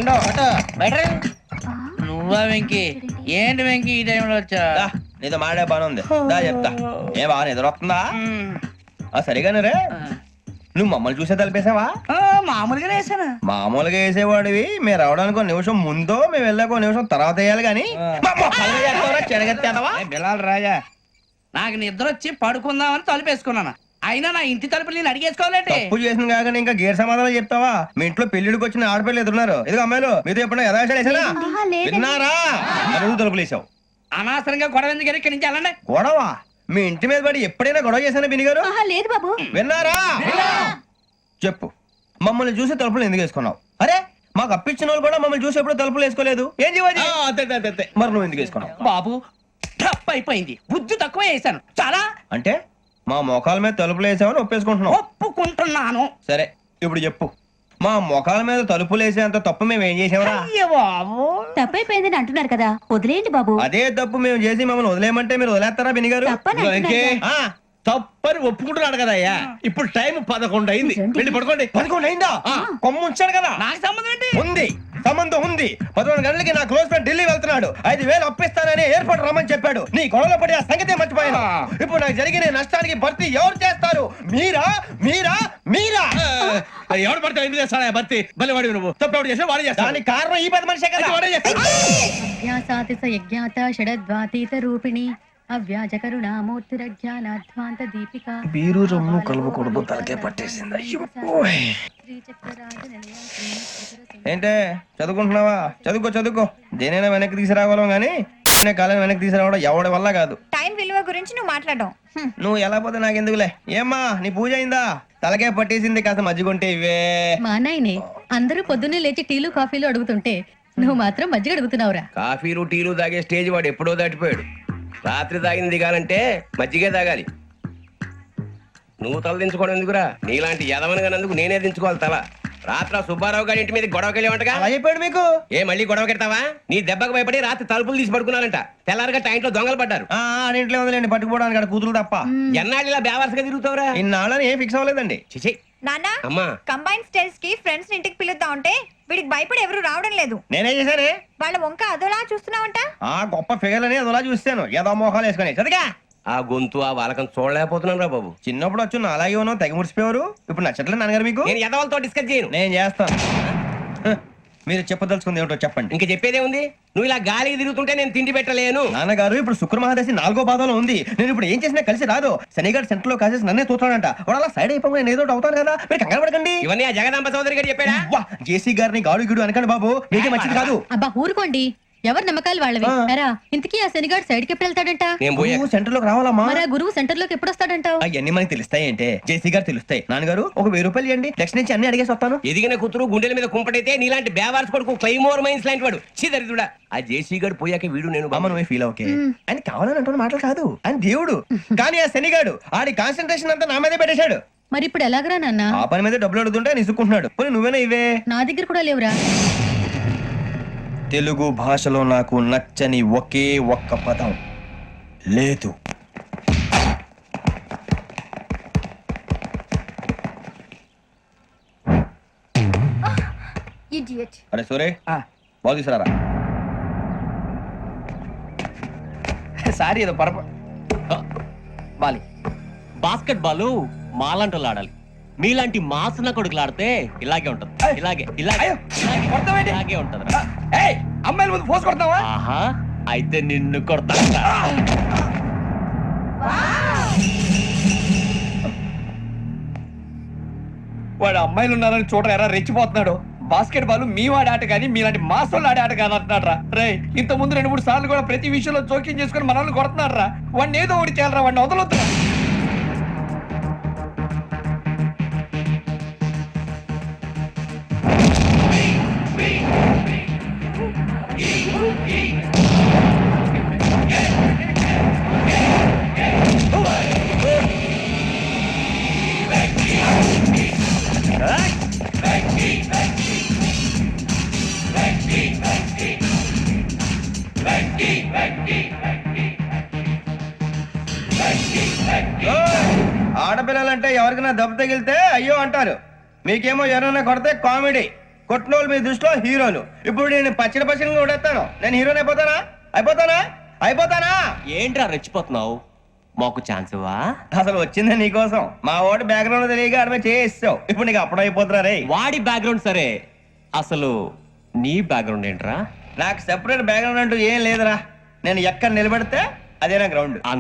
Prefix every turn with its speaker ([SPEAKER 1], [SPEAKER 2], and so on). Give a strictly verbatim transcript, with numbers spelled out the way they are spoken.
[SPEAKER 1] ఉండవు నువ్వా వెంకీ? ఏంటి వెంకీ ఈ టైంలో వచ్చా?
[SPEAKER 2] నీతో మాడే పని ఉంది దా చెప్తా. ఏ బాగా నిద్ర వస్తుందా? సరిగానే రే, నువ్వు మమ్మల్ని చూసే తలిపేసావా?
[SPEAKER 1] మామూలుగానే వేసాను.
[SPEAKER 2] మామూలుగా వేసేవాడివి. మేము రావడానికి ఒక నిమిషం ముందో మేము వెళ్ళాక ఒక నిమిషం తర్వాత వేయాలి కానీ
[SPEAKER 1] బిలాల్ రాజా, నాకు నిద్ర వచ్చి పడుకుందామని తలుపేసుకున్నాను. అయినా నా ఇంటి తలుపులు నేను అడిగేసుకోవాలంటే
[SPEAKER 2] తప్పు చేసిన కాక ఇంకా గేర్ సమాధానం చెప్తావా? మీ ఇంట్లో పెళ్లిడికి వచ్చిన ఆడపిల్లలు ఎదురున్నారు. ఇది అమ్మాయిలు మీతో ఎప్పుడైనా యథాశాలు వేసానా? విన్నారా? అడుగు తలుపులు వేసావు.
[SPEAKER 1] అనవసరంగా గొడవ ఎందుకు ఇక్కడి నుంచి వెళ్ళండి.
[SPEAKER 2] గొడవ? మీ ఇంటి మీద పడి ఎప్పుడైనా గొడవ చేశానా బిని గారు?
[SPEAKER 3] లేదు బాబు.
[SPEAKER 2] విన్నారా? చెప్పు, మమ్మల్ని చూసి తలుపులు ఎందుకు వేసుకున్నావు? అరే మాకు అప్పించిన వాళ్ళు కూడా మమ్మల్ని చూసి ఎప్పుడు తలుపులు వేసుకోలేదు. ఏం చేయాలి? మరి నువ్వు ఎందుకు వేసుకున్నావు?
[SPEAKER 1] బాబు తప్పు అయిపోయింది, బుద్ధి తక్కువ వేసాను చాలా.
[SPEAKER 2] అంటే మా మొఖాల మీద తలుపులు వేసామని ఒప్పేసుకుంటున్నావు?
[SPEAKER 1] ఒప్పుకుంటున్నాను.
[SPEAKER 2] సరే ఇప్పుడు చెప్పు, మా మొఖాల మీద తలుపులు వేసేంత తప్పు మేము ఏం చేసామరా?
[SPEAKER 1] బాబు
[SPEAKER 3] తప్పైపోయిందని అంటున్నారు కదా, వదిలేయండి బాబు.
[SPEAKER 2] అదే తప్పు మేము చేసి మమ్మల్ని వదిలేయమంటే మీరు వదిలేస్తారా బిని గారు?
[SPEAKER 4] తప్పని ఒప్పుకుంటున్నాడు కదా అయ్యా. ఇప్పుడు టైం పదకొండు అయింది, వెళ్ళి పడుకోండి.
[SPEAKER 2] పదకొండు అయిందా? కొమ్ము ఉంచాడు కదా.
[SPEAKER 1] నాకు సంబంధం ఏంటి?
[SPEAKER 2] ఉంది, సంబంధం ఉంది. పదకొండు గంటలకి నా క్లోజ్ ఫ్రెండ్ ఢిల్లీ వెళ్తున్నాడు. ఐదు వేలు అప్పిస్తానని ఎయిర్పోర్ట్ రమ్మని చెప్పాడు. నీ గొడవలో పడి ఆ సంగతే మర్చిపోయాను. ఇప్పుడు నాకు జరిగిన నష్టానికి భర్తీ ఎవరు చేస్తారు? మీరా మీరా మీరా?
[SPEAKER 4] ఎవడు పడితే ఎందుకు చేస్తాడా భర్తీ? మళ్ళీ వాడి నువ్వు తప్పు ఎవడు చేసా వాడే చేస్తా.
[SPEAKER 2] దానికి కారణం ఈ పది మనిషే కదా. వాడే
[SPEAKER 3] రూపిణి అవ్యాజ కరుణామూర్తిరజ్ఞానాధ్వాంత దీపిక.
[SPEAKER 2] బీరు రమ్ము కలుపుకూడదు, తలకే పట్టేసింది. ఏంటే చదువుకుంటున్నావా? చదువుకో చదువుకో. దేనైనా వెనక్కి తీసుకురావాలం గానీ కాలం వెనక్కి తీసుకురావడం ఎవడి వల్ల కాదు.
[SPEAKER 5] టైం విలువ గురించి నువ్వు మాట్లాడడం
[SPEAKER 2] నువ్వు ఎలా పోతే నాకు ఎందుకులే. ఏమ్మా నీ పూజ అయిందా? తలకే పట్టేసింది, కాస్త మజ్జిగుంటే ఇవే.
[SPEAKER 3] మా నాయనే అందరూ పొద్దున్నే లేచి టీలు కాఫీలు అడుగుతుంటే నువ్వు మాత్రం మజ్జిగ అడుగుతున్నావురా.
[SPEAKER 6] కాఫీలు టీలు తాగే స్టేజ్ వాడు ఎప్పుడో దాటిపోయాడు. రాత్రి తాగింది దిగాలంటే మజ్జిగే తాగాలి. నువ్వు తల దించుకోవడం ఎందుకురా? నీలాంటి యదవనగానందుకు నేనే దించుకోవాలి తల. రాత్ర సుబ్బారావు గారి ఇంటి మీద గొడవకెళ్ళేవంటగా.
[SPEAKER 2] అలా చెప్పాడు మీకు?
[SPEAKER 6] ఏ మళ్ళీ గొడవ కెడతావా? నీ దెబ్బకు భయపడి రాత్రి తలుపులు తీసి పడుకున్నారంట. తెల్లారగా టైంట్లో దొంగలు పడ్డారు.
[SPEAKER 2] ఇంట్లో ఉందిలేండి పట్టుకుపోవడానికి, అక్కడ కూతురు తప్ప.
[SPEAKER 6] ఎన్నాళ్ళు ఇలా బేవర్స్గా తిరుగుతావురా?
[SPEAKER 2] ఇన్నాళ్ళని ఏం ఫిక్స్ అవ్వలేదండి.
[SPEAKER 6] చిచి
[SPEAKER 5] నాన్న,
[SPEAKER 6] అమ్మా
[SPEAKER 5] కంబైన్ స్టైల్స్ కి ఫ్రెండ్స్ ఇంటికి పిలుద్దాం అంటే వీడికి భయపడి ఎవరు రావడం లేదు.
[SPEAKER 2] నేనేం చేశానే?
[SPEAKER 5] వాళ్ళ వంక అదోలా చూస్తున్నావంట.
[SPEAKER 2] ఆ గొప్ప ఫిగర్ అని అదోలా చూస్తాను. ఏదో మోహాలు వేసుకొని చదిగా
[SPEAKER 6] ఆ గొంతు ఆ వాలకం చూడలేకపోతున్నాను రా బాబు.
[SPEAKER 2] చిన్నప్పుడు వచ్చి నా అలాగే ఉన్నావు, తెగ ముడిచిపోయారు. ఇప్పుడు నచ్చట్లేదు నాన్నగారు మీకు?
[SPEAKER 6] నేను యదవలతో డిస్కస్ చేయను.
[SPEAKER 2] నేను చేస్తాను. మీరు చెప్పదలుచుకుంది ఏమిటో చెప్పండి.
[SPEAKER 6] ఇంకా చెప్పేదే ఉంది. నువ్వు ఇలా గాలికి తిరుగుతుంటే నేను తిండి పెట్టలేను.
[SPEAKER 2] నాన్నగారు ఇప్పుడు శుక్ర మహాదశి నాలుగో పాదంలో ఉంది. నేను ఇప్పుడు ఏం చేసినా కలిసి రాదు. శనిగారు సెంటర్ లో కాసేసి నన్నే చూస్తాడంట. వాడు అలా సైడ్ అయిపోయి నేను ఏదో ఒకటి అవుతాను కదా. మీరు కంగారు పడకండి.
[SPEAKER 6] ఇవన్నీ ఆ జగదాంబ చౌదరి గారు చెప్పాడా?
[SPEAKER 2] జేసీ గారిని గాడు గిడు అనకండి బాబు, మీకే మంచిది కాదు.
[SPEAKER 3] అబ్బా ఊరుకోండి, ఎవరు నమ్మకాలు వాళ్ళవి. ఎరా ఇంతకీ ఆ శనిగాడు సైడ్ కి ఎప్పుడు వెళ్తాడంట?
[SPEAKER 2] సెంటర్ లోకి రావాలమ్మా.
[SPEAKER 3] మరి ఆ గురువు సెంటర్ లోకి ఎప్పుడు వస్తాడంటావు?
[SPEAKER 2] అవన్నీ మనకి తెలుస్తాయి అంటే జేసీ గారు తెలుస్తాయి. నాన్నగారు ఒక వెయ్యి రూపాయలు ఇవ్వండి, నెక్స్ట్ నుంచి అన్ని అడిగేసి వస్తాను.
[SPEAKER 6] ఎదిగిన కూతురు గుండెల మీద కుంపటైతే నీలాంటి బేవార్స్ కొడుకు క్లైమోర్ మైన్స్ లాంటి వాడు చీదరిదుడా. ఆ జేసీ గారు పోయాక వీడు నేను
[SPEAKER 2] బామ్మ నువ్వే ఫీల్ ఓకే. ఆయన కావాలని అంటున్న మాటలు కాదు, ఆయన దేవుడు. కానీ ఆ శనిగాడు ఆడి కాన్సన్ట్రేషన్ అంతా నా మీదే పెట్టేశాడు.
[SPEAKER 3] మరి ఇప్పుడు ఎలాగరా నాన్న?
[SPEAKER 2] ఆ పని మీద డబ్బులు అడుగుతుంటే నిసుకుంటున్నాడు. పోనీ నువ్వేనా ఇవే?
[SPEAKER 3] నా దగ్గర కూడా లేవురా.
[SPEAKER 2] తెలుగు భాషలో నాకు నచ్చని ఒకే ఒక్క పదం లేదు. అరే సూరే బాగు తీసుకురారా.
[SPEAKER 1] సారీ ఏదో పరప బాలి.
[SPEAKER 7] బాస్కెట్ బాల్ మాలాంటి ఆడాలి. మీలాంటి మాసన కొడుకులు ఆడితే ఇలాగే ఉంటది. ఇలాగే ఇలాగే ఇలాగే ఉంటది.
[SPEAKER 1] అమ్మాయిల ముందు ఫోర్స్ కొడతావా?
[SPEAKER 7] ఆహా, అయితే నిన్ను కొడతా.
[SPEAKER 1] వాడు అమ్మాయిలు ఉన్నారని చూడరా ఎరా రెచ్చిపోతున్నాడు. బాస్కెట్ బాల్ మీ వాడి ఆట కానీ మీలాంటి మాసోళ్ళు ఆడే ఆట కాదు అంటున్నాడు రా. రే ఇంత ముందు రెండు మూడు సార్లు కూడా ప్రతి విషయంలో జోక్యం చేసుకుని మనల్ని కొడుతున్నాడు రా. వాడిని ఏదో ఒకటి చేయాలరా, వాడిని వదలొద్దు.
[SPEAKER 2] ఆడపిల్లలంటే ఎవరికైనా దెబ్బ తగిలితే అయ్యో అంటారు, మీకేమో ఎవరైనా కొడితే కామెడీ. కొట్టినోళ్ళు మీ దృష్టిలో హీరోలు. ఇప్పుడు నేను పచ్చడి పచ్చడిగా కొడేస్తాను. నేను హీరోని అయిపోతానా అయిపోతానా అయిపోతానా
[SPEAKER 7] ఏంట్రా రెచ్చిపోతున్నావు? మాకు ఛాన్స్ ఇవ్వా?
[SPEAKER 2] అసలు వచ్చిందే నీకోసం. మా ఓటు బ్యాక్గ్రౌండ్ తెలియక ఆడమే చేయిస్తావు. ఇప్పుడు నీకు అప్పుడు అయిపోతున్నా రే.
[SPEAKER 7] వాడి బ్యాక్గ్రౌండ్ సరే, అసలు నీ బ్యాక్గ్రౌండ్ ఏంట్రా?
[SPEAKER 2] నాకు సెపరేట్ బ్యాక్గ్రౌండ్ అంటూ ఏం లేదురా. నేను ఎక్కడ నిలబడితే అదే నా గ్రౌండ్.